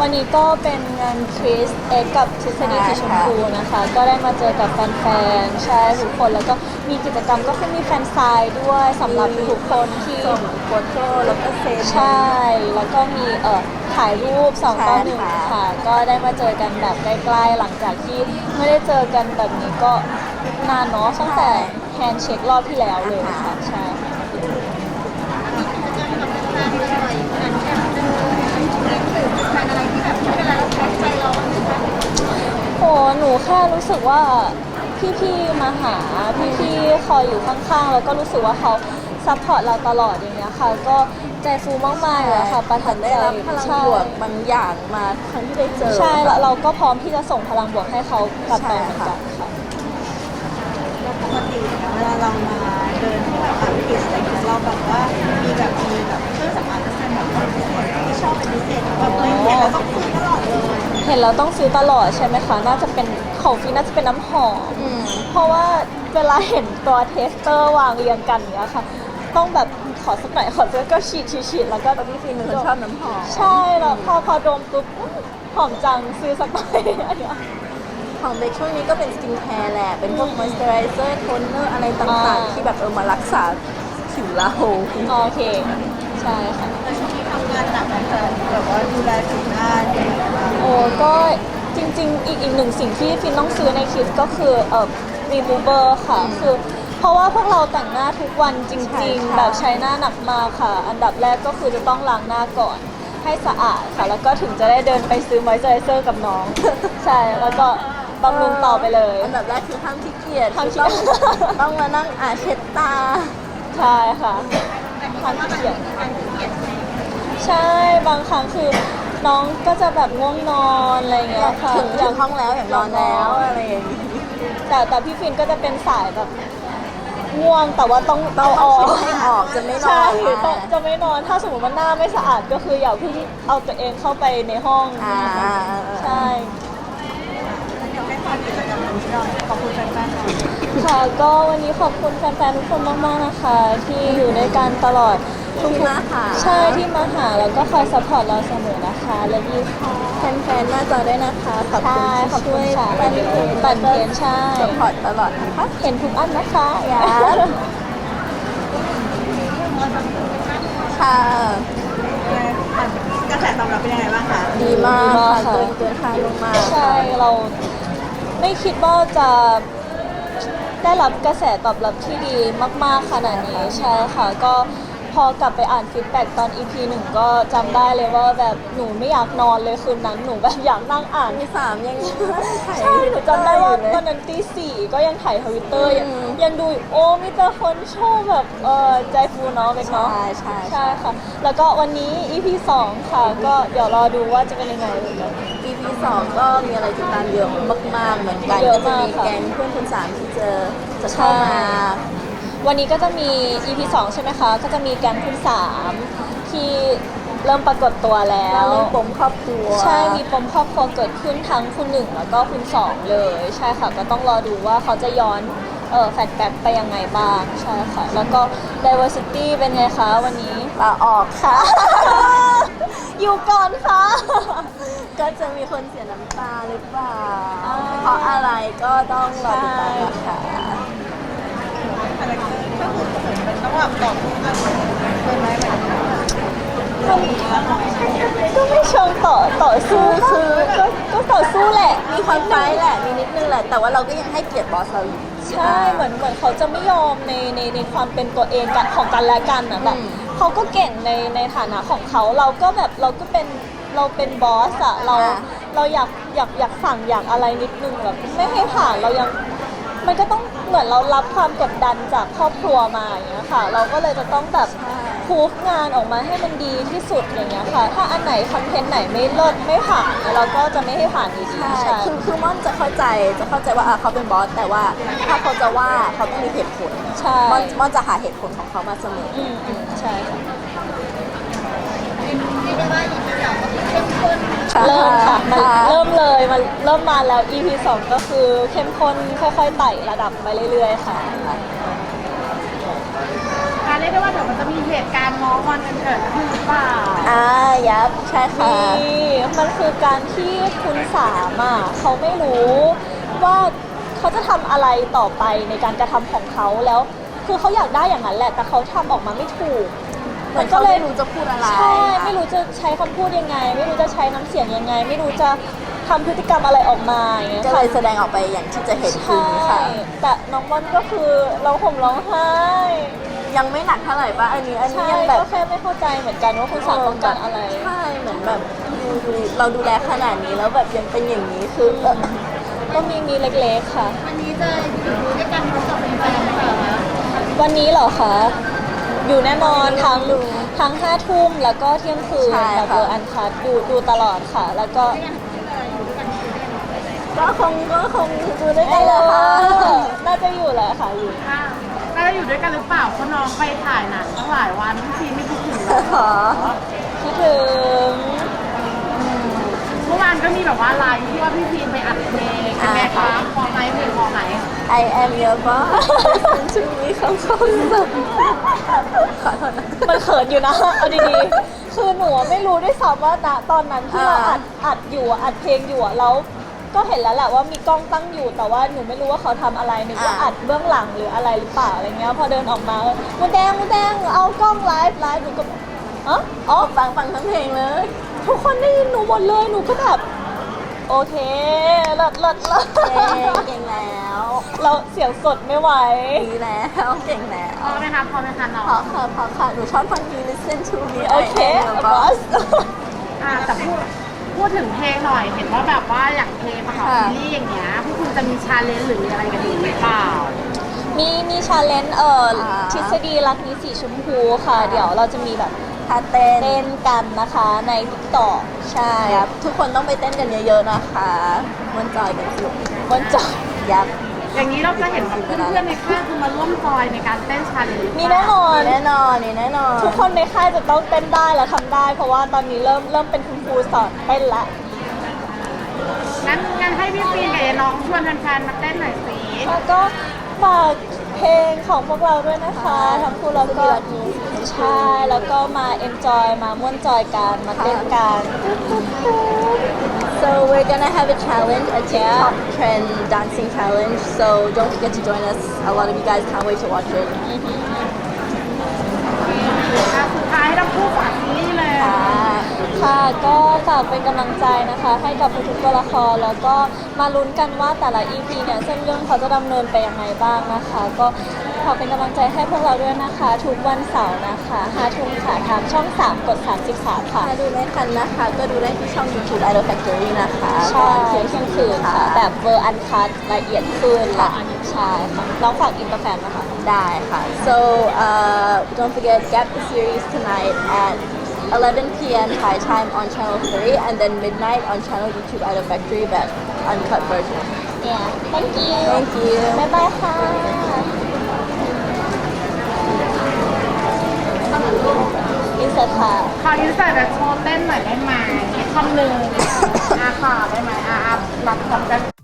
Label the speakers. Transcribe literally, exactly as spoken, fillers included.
Speaker 1: วันนี้ก็เป็นงานคริสเอ็กกับทฤษฎีสีชมพูนะคะ ก็ได้มาเจอกับแฟนๆใช่ทุกคนแล้วก็มีกิจกรรมก็คือมีแฟนไซน์ด้วยสำหรับทุกคนที่
Speaker 2: ส่งโฟโต้แล้วก็เซ็น
Speaker 1: ใช่แล้วก็มีเอ่อถ่ายรูปสองต่อหนึ่งค่ะก็ได้มาเจอกันแบบใกล้ๆหลังจากที่ไม่ได้เจอกันแบบนี้ก็นานเนาะตั้งแต่แฮนด์เช็ครอบที่แล้วเลยค่ะใช่โหหนูแค่รู้สึกว่าพี่ๆมาหาพี่ๆคอยอยู่ข้างๆแล้วก็รู้สึกว่าเขาซัพพอร์ตเราตลอดอย่างเงี้ยค่ะก็ใจฟูมากๆเลยค่ะประทับใจ
Speaker 2: ได้รับพลังบวกบางอย่างมาครั้งที่ได้เจอ
Speaker 1: ใช่แล้วเราก็พร้อมที่จะส่งพลังบวกให้เขากลับไปเหมือนกันค่ะ
Speaker 3: ปกติเวลาเรามาเดินที่แบบอาร์ติสอะไรเงี้ยเราแบบว่ามีแบบมีแบบเครื่องสำอางที่เป็นแบบคนพิเศษที่ชอบเป็นพิเศษแบบเลยเห็นแล้วต้องซื้อตลอดเลย
Speaker 1: เห็นแล้วต้องซื้อตลอดใช่ไหมคะน่าจะเป็นของฟีน่าจะเป็นน้ำหอมเพราะว่าเวลาเห็นตัวเทสเตอร์วางเรียงกันเนี้ยค่ะต้องแบบขอสักหน่อยขอสักก็ฉีดฉีดฉีดแล้วก็
Speaker 2: ตอนที่ฟินคนชอบน้ำหอม
Speaker 1: ใช่แล้วพอพอดมปุ๊บหอมจังซื้อสักหน่อยอันเนี้ย
Speaker 2: ของเบคช่วงนี้ก็เป็นสกินแคร์แหละเป็นพวกมอยส์เจอไรเซอร์โทนเนอร์อะไรต่างๆที่แบบเออมารักษาผิวเรา
Speaker 1: โอเคใช่ค่ะ
Speaker 3: แต่ช่วงนี้ทำงานหนักนะคะแบบว่าดูแลผิวหน้า
Speaker 1: โอ้ก็จริงๆอีกอีกหนึ่งสิ่งที่ฟินต้องซื้อในคิดก็คือเอ่อ remover ค่ะคือเพราะว่าพวกเราแต่งหน้าทุกวันจริงๆแบบใช้หน้าหนักมากค่ะอันดับแรกก็คือจะต้องล้างหน้าก่อนให้สะอาดค่ะแล้วก็ถึงจะได้เดินไปซื้อมอยส์เจอไรเซอร์กับน้องใช่แล้วก็บำรุงต่อไปเลย
Speaker 2: อันดับแรกคือห้ามขี้เกียจห้ามต้องต้องมานั่งอ่านเช็ดตา
Speaker 1: ใช่ค่ะห้ามขี้เกียจใช่บางครั้งคือน้องก็จะแบบง่วงนอนอะไรอย่างเงี้ยค่ะ
Speaker 2: ถึงถึงห้องแล้วอย่างนอนแล้วอะไรอย่างงี้
Speaker 1: แต่แต่พี่ฟินก็จะเป็นสายแบบง่วงแต่ว่าต้อง
Speaker 2: เอาออกให้ออกจะไม่นอนใช่
Speaker 1: จะไม่นอนถ้าสมมติว่าหน้าไม่สะอาดก็คืออย่าเพิ่งเอาตัวเองเข้าไปในห้องใช่
Speaker 3: ขอบคุณแฟนๆค่ะ
Speaker 1: ค่ะก็วันนี้ขอบคุณแฟนๆทุกคนมากๆนะคะที่อยู่ด้วยกันตลอด
Speaker 2: ทุกมาหา
Speaker 1: ใช่ที่มาหาแล้วก็คอยซัพพอร์ตเราเสมอนะคะและดีค่ะ
Speaker 2: แฟนๆหน้าจอด้วยนะคะขอบคุณที่ช่วย
Speaker 1: ปั่นเพนปั่นเพนใช่
Speaker 2: ซัพพอร์ตตลอดนะคะ
Speaker 1: เห็นทุกอันนะคะ
Speaker 2: อย่าค่ะ
Speaker 3: กระแสตอบรับเป็นยังไงบ้างคะ
Speaker 2: ดีมากค่ะเกินเกินคาดมาก
Speaker 1: ใช่เราไม่คิดว่าจะได้รับกระแสตอบรับที่ดีมากๆขนาดนี้ใช่ค่ะก็พอกลับไปอ่านฟีดแบ็กตอน อี พี หนึ่งก็จำได้เลยว่าแบบหนูไม่อยากนอนเลยคืนนั้นหนูแบบอยากนั่งอ่าน
Speaker 2: ที่สามยัง
Speaker 1: ใช่หนูจำได้ว่าวันนั้นตีสี่ก็ยังถ่ายทวิตเตอร์ยังดูโอ้มีแต่คนชอบแบบเออใจฟูเนาะเป็นเนาะ
Speaker 2: ใช่ใช่
Speaker 1: ใช่ค่ะแล้วก็วันนี้ อี พี สองค่ะก็เดี๋ยวรอดูว่าจะเป็นยังไง
Speaker 2: อี พี สองก็มีอะไรติดตามเยอะมากๆเหมือนกันก็จะมีแก๊งเพื่อนคนสามที่เจอจะเข้ามา
Speaker 1: วันนี้ก็จะมี อี พี สองใช่ไหมคะก็จะมีแก๊งคุณสามที่เริ่มปรากฏตัวแล้ว
Speaker 2: เรื่องปมครอบครัว
Speaker 1: ใช่มีปมครอบครัวเกิดขึ้นทั้งคุณหนึ่งแล้วก็คุณสองเลยใช่ค่ะก็ต้องรอดูว่าเขาจะย้อนเออแฟลชแบ็กไปยังไงบ้างใช่ค่ะแล้วก็ diversity เป็นไงคะวันนี้
Speaker 2: ลาออกค่ะ
Speaker 1: อยู่ก่อนค่ะ
Speaker 2: ก็จะมีคนเสียน้ำตาหรือเปล่าเพราะอะไรก็ต้องรอติดตามนะคะ
Speaker 3: ก็คือเป็นต้องแบบตอบทุกอันเป็นไหมแบบ
Speaker 1: ก็ไม่เชิงต่อต่อสู้คือก็ก็ต่อสู้แหละ
Speaker 2: มีความไฟแหละมีนิดนึงแหละแต่ว่าเราก็ยังให้เกียรติบอสเราอยู่
Speaker 1: ใช่เหมือนเหมือนเขาจะไม่ยอมในในในความเป็นตัวเองกันของกันและกันนะแบบเขาก็เก่งในในฐานะของเขาเราก็แบบเราก็เป็นเราเป็นบอสอะเราเราอยากอยากอยากสั่งอยากอะไรนิดนึงแบบไม่ให้ผ่านเรายังมันก็ต้องเหมือนเรารับความกดดันจากครอบครัวมาอย่างเงี้ยค่ะเราก็เลยจะต้องแบบพูฟงานออกมาให้มันดีที่สุดอย่างเงี้ยค่ะถ้าอันไหนคอนเทนต์ไหนไม่เลิศไม่ผ่านเราก็จะไม่ให้ผ่านอีก
Speaker 2: ใช่คือคือม่อนจะเข้าใจจะเข้าใจว่าเขาเป็นบอสแต่ว่าถ้าเขาจะว่าเขาต้องมีเหตุผล
Speaker 1: ใช่
Speaker 2: ม่อนม่อนจะหาเหตุผลของเขามาเสมอ
Speaker 1: อืมอืมใช่ค่ะเริ่มค่ะมันเริ่มเลยมันเริ่มมาแล้ว อี พี สองก็คือเข้มข้นค่อยๆไต่ระดับไปเรื่อยๆค่ะ
Speaker 3: การเรียกได้ว่าเดี๋ยวมันจะมีเหตุการณ์ง้องอนกันเกิดขึ้นหรือเปล่า
Speaker 2: อ่ายับใช่ค่ะ
Speaker 1: มีมมันคือการที่คุณสามอ่ะเขาไม่รู้ว่าเขาจะทำอะไรต่อไปในการกระทำของเขาแล้ว คือเขาอยากได้อย่างนั้นแหละ แต่เขาทำออกมาไม่ถูก
Speaker 2: เหมือนเขาไม่รู้จะพูดอะไร
Speaker 1: ใช่ ไม่รู้จะใช้คำพูดยังไง ไม่รู้จะใช้น้ำเสียงยังไง ไม่รู้จะทำพฤติกรรมอะไรออกมาอย่างเงี้ย
Speaker 2: ก็เลยแสดงออกไปอย่างที่จะเห็นคือ
Speaker 1: ใช่
Speaker 2: นี้ค่ะ
Speaker 1: แต่น้องม่อนก็คือร้องห่มร้องไห้
Speaker 2: ยังไม่หนักเท่าไหร่ป่ะอันนี้อันนี้
Speaker 1: ใช่
Speaker 2: ยังแบบ
Speaker 1: ก็แค่ไม่เข้าใจเหมือนกันว่าคุณสารต้องการอะไร
Speaker 2: ใช่เหมือนแบบดูดูเราดูแลขนาดนี้แล้วแบบยังเป็นอย่างนี้คือเออ
Speaker 1: ก็มีมีเล็กๆค่ะ
Speaker 3: วันนี้จะอยู่ด้วยกันพร้อมกับแฟนๆไหมคะ
Speaker 1: วันนี้เหรอคะ อยู่แน่นอนทั้งทั้งห้าทุ่มแล้วก็เที่ยงคืน
Speaker 2: ใช่
Speaker 1: แบบ
Speaker 2: ค่ะ
Speaker 1: เบอร์อันคัดดูดูตลอดค่ะ แล้วก็
Speaker 2: ก็คงก็คงดูด้วยกันแหละค่ะ
Speaker 1: น่าจะอยู่แหละค่ะอยู่
Speaker 4: ค่ะแล้วอยู่ด้วยกันหรือเปล่าเพราะน้องไปถ่ายหนังตั้งหลายวันพี่ชีไม่คิดถึงเลย
Speaker 2: ขอ
Speaker 1: คิดถึง
Speaker 4: เมื่อวานก็มีแบบว่าไลน์ที่ว่าพี่พีไปอัดเพลงใช่ไหมคะพอไหมเพลงพอไหม
Speaker 2: I am your boss listen to me คำคำแบบขอโทษนะ
Speaker 1: มันเขินอยู่นะ เอาดีๆ คือหนูอะไม่รู้ด้วยซ้ำว่าณตอนนั้นที่เรา
Speaker 2: อ่า
Speaker 1: อัดอัดอยู่อะอัดเพลงอยู่อะแล้วก็เห็นแล้วแหละว่ามีกล้องตั้งอยู่ แต่ว่าหนูไม่รู้ว่าเขาทำอะไรนึกว่าอัดเบื้องหลังหรืออะไรหรือเปล่าอะไรเงี้ย พอเดินออกมาเออมูแดงมูแดงเอากล้องไลฟ์ไลฟ์หนูก็อ๋ออ๋อ
Speaker 2: ฟังฟังทั้งเพลงเลย
Speaker 1: ทุกคนได้ยินหนูหมดเลย หนูก็แบบ โอเคเลิศเลิศเลิศ
Speaker 2: เก่งเก่งแล้ว
Speaker 1: เราเสียงสดไม่ไหว
Speaker 2: ดีแล้วเก่งแล้ว
Speaker 4: พอไหมคะพอไหมคะน้อง
Speaker 2: พอค่ะพอค่ะหนูชอบฟังเพลง listen to me
Speaker 1: โอเค
Speaker 2: I am your
Speaker 1: บอ
Speaker 2: boss
Speaker 1: ส
Speaker 4: อ่าแต่พูดพูดถึงเพลงหน่อยเห็นว่าแบบว่าอย่างเพลงประกอบ
Speaker 2: ค่ะ
Speaker 4: ซีรีส์อย่างเงี้ยพวกคุณจะมีชาเลนจ์หรือมีอะไรกันอยู่หรือเปล่า
Speaker 1: มีมีชาเลนจ์เอ่อ
Speaker 2: อ่า
Speaker 1: ทฤษฎีรักนี้สีชมพูค่ะ เดี๋ยวเราจะมีแบบ
Speaker 2: ท่าเต้น
Speaker 1: เต้นกันนะคะในทิกตอกใช่
Speaker 2: ครับทุกคนต้องไปเต้นกันเยอะๆนะคะมันจอยกันสนุก
Speaker 1: บนจอย
Speaker 2: ยับ
Speaker 4: อย่างนี้เราจะเห็นแบบเพื่อนๆในค่ายคือมาร่วมจอยในการเต้นชาเลนจ์หรือเป
Speaker 1: มี
Speaker 4: ล่า
Speaker 1: แน่นอน
Speaker 2: แน่นอนนี่แน่นอน
Speaker 1: ทุกคนในค่ายจะต้องเต้นได้และทำได้ เพราะว่าตอนนี้เริ่มเริ่มเป็นคุณครูสอนเต้นละ
Speaker 4: งั้นงั้นให้พี่ปีนกับน้องชวนแฟนๆมาเต้นหน่อยสิ
Speaker 1: แล้วก็ฝากเพลงของพวกเราด้วยนะคะทั้งคู่แล้วก็ใช่แล้วก็มา enjoy มาม่วนจอยกันมาเต้นกัน
Speaker 2: So we're gonna have a challenge, a TikTok trend dancing challenge. So don't forget to join us. A lot of you guys can't wait to watch it.
Speaker 4: อ่ะสุดท้ายให้ทั้งคู่ฝากซีรีส์เลย
Speaker 2: ค่ะ
Speaker 1: ค่ะก็ฝากเป็นกำลังใจนะคะ ให้กับทุกๆตัวละครแล้วก็มาลุ้นกันว่าแต่ละ อี พี เนี่ยเส้นเรื่องเขาจะดำเนินไปยังไงบ้างนะคะ ก็ขอเป็นกำลังใจให้พวกเราด้วยนะคะ ทุกวันเสาร์นะคะห้าทุ่มค่ะทางช่อง สาม กด สามสิบสาม ค่ะ
Speaker 2: ถ้าดูไม่ทันนะคะ ก็ดูได้ที่ช่อง YouTube Idol Factory นะคะ
Speaker 1: ใช่
Speaker 2: ตอน
Speaker 1: เที่
Speaker 2: เที่
Speaker 1: ย
Speaker 2: ย
Speaker 1: ง
Speaker 2: ง
Speaker 1: คื
Speaker 2: คื
Speaker 1: น
Speaker 2: น
Speaker 1: ค่ะ
Speaker 2: ค่ะ
Speaker 1: แบบเวอร์อันคัละเอียดขึ้น
Speaker 2: ค่ะ
Speaker 1: ใช่ค่ะน้องฝากอินเตอร์แฟนนะคะ
Speaker 2: ได้ค่ะ so uh, don't forget get the series tonight at eleven p.m. Thai time on channel three and then midnight on channel YouTube Idol Factory but uncut version
Speaker 1: yeah thank you
Speaker 2: thank you
Speaker 1: บ๊ายบายค่ะอินเสิร์ตค่ะ
Speaker 4: ขออินเสิร์ตแบบโชว์เต้นหน่อยได้ไหมคำหนึ่งอาค่ะได้ไหมอารับรับกัน